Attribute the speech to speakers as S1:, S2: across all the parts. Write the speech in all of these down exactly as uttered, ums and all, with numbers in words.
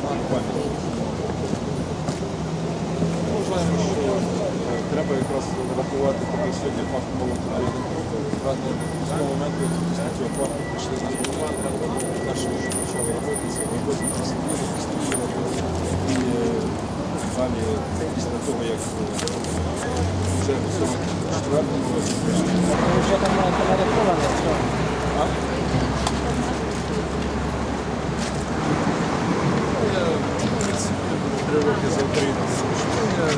S1: пам'ять. Вважаємо, що треба якраз рахувати такий сьогодні факт волонтеризму. Правда, з того моменту, як після цього факту прийшли на голова, перше, що почали робити, це робити просиділи, постійно. І далі, після того, як вже в цьому четвертому році прийшли.
S2: Ви вже там нараховано, що?
S1: А? Я, в принципі, три роки за Україну служив. Я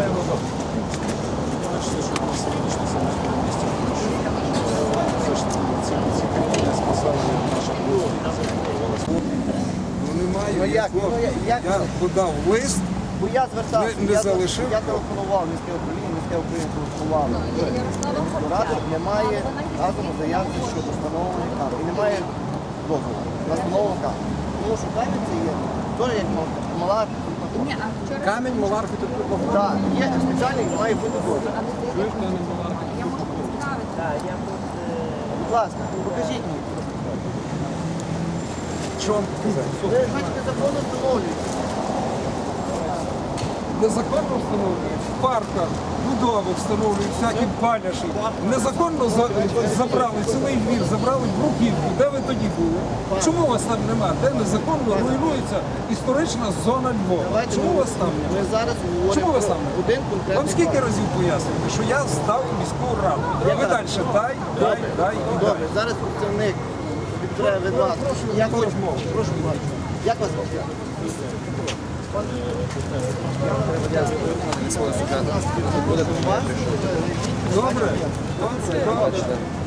S1: бачите, що на сьогоднішній самостійному місці, тому що все ж таки ці країни спасали наша кров, захоплювалася.
S3: Ну немає.
S2: Ну, як?
S3: якого.
S2: Ну, я- як?
S3: Я подав лист.
S2: Бо я звертався,
S3: Не- не
S2: я,
S3: залишив?
S2: я телефонував міське управління, міське управління телефонувало. Ради немає разом заявки щодо встановлення камер. І немає дозволу на встановлення камер. Тому що камінь це є теж як мала архітектура.
S3: Камінь, мала архітектура.
S2: Так, є спеціальний, має бути дозвіл. Будь ласка, покажіть мені.
S3: Що вам показати?
S2: Ви, значить, незаконно встановлюєте.
S3: Незаконно встановлюють в парках, будови встановлюють, всякі паляші. Незаконно за- забрали цілий двір, забрали бруківку. Де ви тоді були? Чому вас там нема? Де незаконно руйнується історична зона Львова?
S2: Давайте
S3: Чому
S2: ми-
S3: вас там
S2: Ми
S3: нема?
S2: зараз говоримо
S3: Чому вас там
S2: про
S3: нема?
S2: один конкретний
S3: Вам скільки
S2: факт.
S3: разів пояснювати, що я здав міську раду? Ви
S2: Яка?
S3: далі дай, дай, дай і дай.
S2: Добре, зараз працівник відбере від вас. Як ви прошу вас. Як вас звати? Буде
S3: Добре? Добре. Добре.